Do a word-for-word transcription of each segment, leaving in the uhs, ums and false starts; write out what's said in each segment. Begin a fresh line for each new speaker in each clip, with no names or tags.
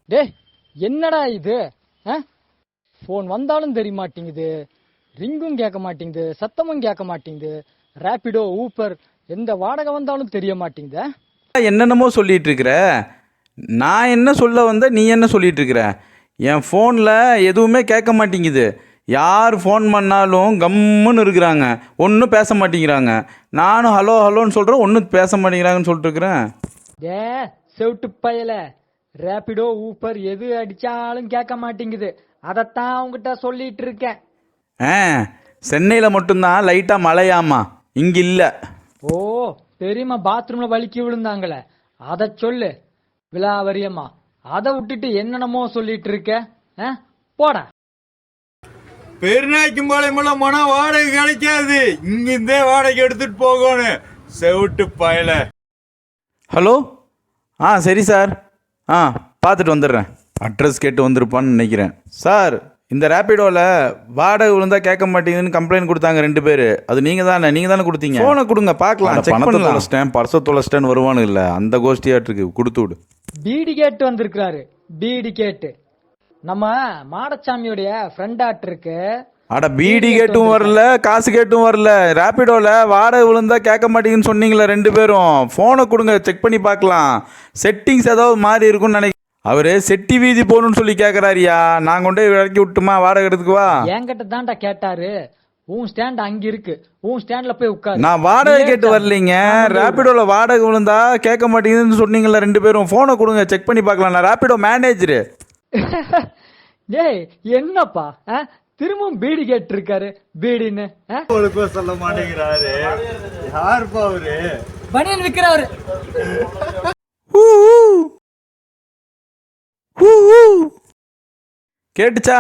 டே என்னடா இது? ஃபோன் வந்தாலும் தெரிய மாட்டேங்குது, ரிங்கும் கேட்க மாட்டேங்குது, சத்தமும் கேட்க மாட்டேங்குது. ரேபிடோ ஊப்பர் எந்த வாடகை வந்தாலும் தெரிய மாட்டேங்குது.
என்னென்னமோ சொல்லிட்டு இருக்கிற. நான் என்ன சொல்ல வந்த, நீ என்ன சொல்லிட்டு இருக்கிற? என் ஃபோனில் எதுவுமே கேட்க மாட்டேங்குது. யார் ஃபோன் பண்ணாலும் கம்முன்னு இருக்கிறாங்க, ஒன்றும் பேச மாட்டேங்கிறாங்க. நானும் ஹலோ ஹலோன்னு சொல்கிறேன், ஒன்றும் பேச மாட்டேங்கிறாங்கன்னு சொல்லிட்டு இருக்கிறேன்.
ஏ செவிட்டு பயல, ரேபிடோ ஊப்பர் எது அடிச்சாலும் கேட்க மாட்டேங்குது. அதைத்தான் அவங்ககிட்ட சொல்லிட்டு இருக்கேன்.
ஆ, சென்னையில் மட்டும்தான் லைட்டாக மழையாமா, இங்கே இல்லை.
ஓ தெரியுமா, பாத்ரூம்ல வலிக்கி விழுந்தாங்களே, அத சொல்லு. விலாவரியம்மா அதை விட்டுட்டு என்னென்னமோ சொல்லிட்டு இருக்க. போட
பெருநாய்க்கும் பாளையமெல்லாம் மன வாடகை கிடைக்காது, இங்கிருந்தே வாடகை எடுத்துட்டு போகணும். செவிட்டு பயல.
ஹலோ, ஆ சரி சார், ஆ பார்த்துட்டு வந்துடுறேன். அட்ரஸ் கேட்டு வந்திருப்பான்னு நினைக்கிறேன். சார், இந்த ரேபிடோவில் வாடகை விழுந்தா கேட்க மாட்டேங்குதுன்னு கம்ப்ளைண்ட் கொடுத்தாங்க ரெண்டு பேர். அது நீங்கள் தானே நீங்கள் தானே கொடுத்தீங்க. ஃபோனை கொடுங்க பார்க்கலாம். பணத்தை தொலைச்சிட்டேன், பர்ஸை தொலைச்சிட்டேன்னு வருவானு இல்லை, அந்த கோஷ்டியாட்டுருக்கு. கொடுத்து விடு.
பீடி கேட்டு வந்திருக்கிறாரு. பீடி கேட்டு நம்ம மாடசாமியோடைய ஃப்ரெண்டாட் இருக்கு.
அட பீடி கேட்டும் வரல, காசு கேட்டும் வரல. ரேபிடோவில் வாடகை விழுந்தா கேட்க மாட்டேங்குன்னு சொன்னீங்களே ரெண்டு பேரும். ஃபோனை கொடுங்க, செக் பண்ணி பார்க்கலாம். செட்டிங்ஸ் ஏதாவது மாறி இருக்கும்னு நினைக்கிறேன். அவரு செட்டி வீதி போகணும்னு சொல்லி கேட்குறாரியா. நான் கொண்டு போய் இறக்கி விட்டுமா வாடகை எடுத்துக்குவா?
என்கிட்ட தான்டா கேட்டாரு. உன் ஸ்டாண்ட் அங்க இருக்கு, உன் ஸ்டாண்ட்ல போய் உட்காரு.
நான் வாடகை கேட்டு வரலைங்க. ரேபிடோவில் வாடகை விழுந்தா கேட்க மாட்டேங்குதுன்னு சொன்னீங்களா ரெண்டு பேரும். ஃபோனை கொடுங்க, செக் பண்ணி பார்க்கலாம். நான் ரேபிடோ மேனேஜரு.
டேய் என்னப்பா திரும்பவும் பீடி கேட்டு இருக்காரு. பீடின்னு
சொல்ல மாட்டேங்கிறாரு. யாருப்பா அவரு?
பனியன் விற்கிறவரு.
கேட்டுச்சா?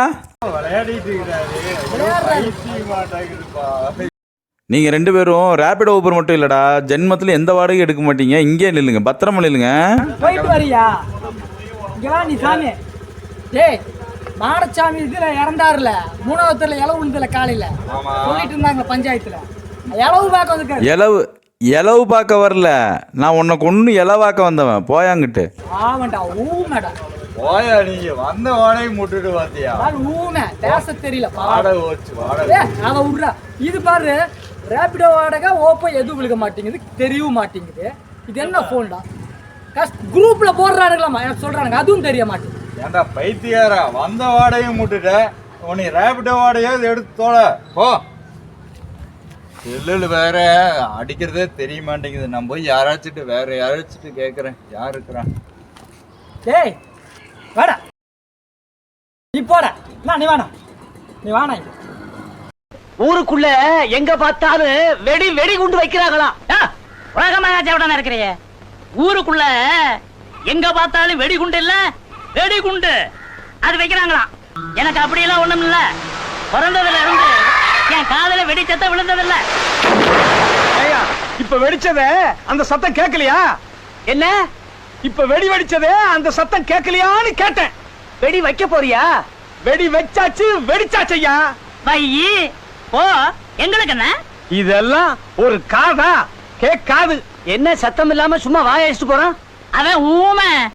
நீங்க ரெண்டு பேரும் ரேபிடோ ஊபர் மட்டும் இல்லடா, ஜென்மத்துல எந்த வாடகையும் எடுக்க மாட்டீங்க. இங்கே நில்லுங்க, பத்திரமா நில்லுங்க.
போயிட்டு வரியா? இங்க வா நீ சாமி. டேய் மாடசாமி இதுல இறந்தாருல, மூணாவதுல இளவு விழுந்தல காலையில சொல்லிட்டு இருந்தாங்க பஞ்சாயத்துல. இளவு பார்க்க வந்துருக்காரு.
இளவு இளவு பார்க்க வரல, நான் உன்னை கொண்டு இளவாக்க வந்தவன். போயாங்கிட்டு.
ஆமாண்டா ஊமேடா.
போயா, நீங்க வந்த வாடகை முட்டுட்டு பாத்தியா?
ஊமே பேச தெரியல.
வாடகை ஓச்சு வாடகை
அதை விட்றா. இது பாரு, ரேபிடோ வாடகை ஓப்போ எதுவும் விழுக மாட்டேங்குது, தெரியவும் மாட்டேங்குது. இது என்ன போன்டா? குரூப்ல போடுறானுங்களாமா, எனக்கு சொல்றானுங்க, அதுவும் தெரிய மாட்டேங்குது.
ஏன்டா பைத்தியாரா, வந்த வாடகையும் முட்டுட்ட, உன்னை ரேபிடோ வாடகையாவது எடுத்து தோல போ. செல்லுல வேற அடிக்கிறதே தெரிய மாட்டேங்குது. நான் போய் யாராச்சுட்டு வேற யாராச்சுட்டு கேட்கறேன். யார் இருக்கிறான்?
டேய் வாடா, நீ போட. நீ வாடா, நீ வாடா.
ஊருக்குள்ள எங்க பார்த்தாலும் வெடி வெடி குண்டு வைக்கிறாங்களா? உலகமாக இருக்கிறீங்க. ஊருக்குள்ள எங்க பார்த்தாலும் வெடி குண்டு இல்ல, வெடி குண்டு அது வைக்கிறாங்களா? எனக்கு அப்படியெல்லாம் ஒண்ணும் இல்ல. பிறந்ததுல இருந்து என் காதல வெடி சத்தம் விழுந்ததில்ல.
இப்ப வெடிச்சதே அந்த சத்தம் கேட்கலையா?
என்ன
இப்ப வெடி வெடிச்சதே அந்த சத்தம் கேட்கலையான்னு கேட்டேன்.
வெடி வைக்க போறியா?
வெடி வச்சாச்சு, வெடிச்சாச்சையா.
வையி போ. எங்களுக்கு என்ன
இதெல்லாம் ஒரு காதா? கேட்காது.
என்ன சத்தம் இல்லாம சும்மா வாய அடிச்சுட்டு போறான் அவன் ஊமை.